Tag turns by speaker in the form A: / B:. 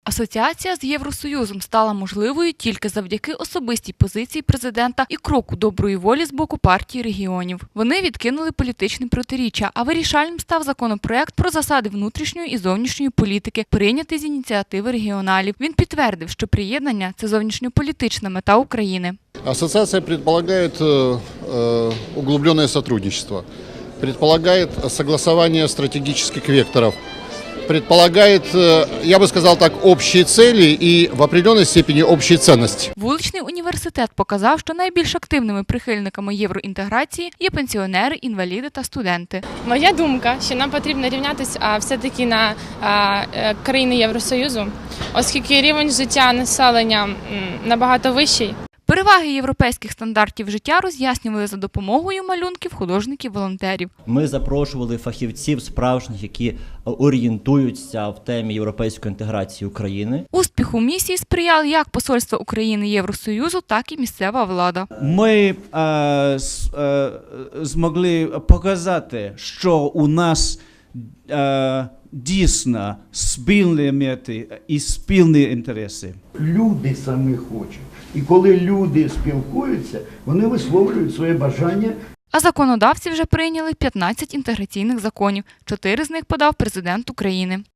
A: Асоціація з Євросоюзом стала можливою тільки завдяки особистій позиції президента і кроку доброї волі з боку партії регіонів. Вони відкинули політичні протиріччя, а вирішальним став законопроект про засади внутрішньої і зовнішньої політики, прийнятий з ініціативи регіоналів. Він підтвердив, що приєднання – це зовнішньополітична мета України.
B: Ассоциация предполагает углубленное сотрудничество, предполагает согласование стратегических векторов, предполагает, я бы сказал так, общие цели и в определенной степени общие ценности.
A: Вуличний університет показав, що найбільш активними прихильниками євроінтеграції є пенсіонери, інваліди та студенти.
C: Моя думка, що нам потрібно рівнятися все-таки на країни Євросоюзу, оскільки рівень життя населення набагато вищий.
A: Переваги європейських стандартів життя роз'яснювали за допомогою малюнків художників-волонтерів.
D: Ми запрошували фахівців справжніх, які орієнтуються в темі європейської інтеграції України.
A: Успіху місії сприяли як посольство України Євросоюзу, так і місцева влада.
E: Ми змогли показати, що у нас дійсно спільні мети і спільні інтереси.
F: Люди самі хочуть. І коли люди спілкуються, вони висловлюють своє бажання.
A: А законодавці вже прийняли 15 інтеграційних законів. 4 з них подав президент України.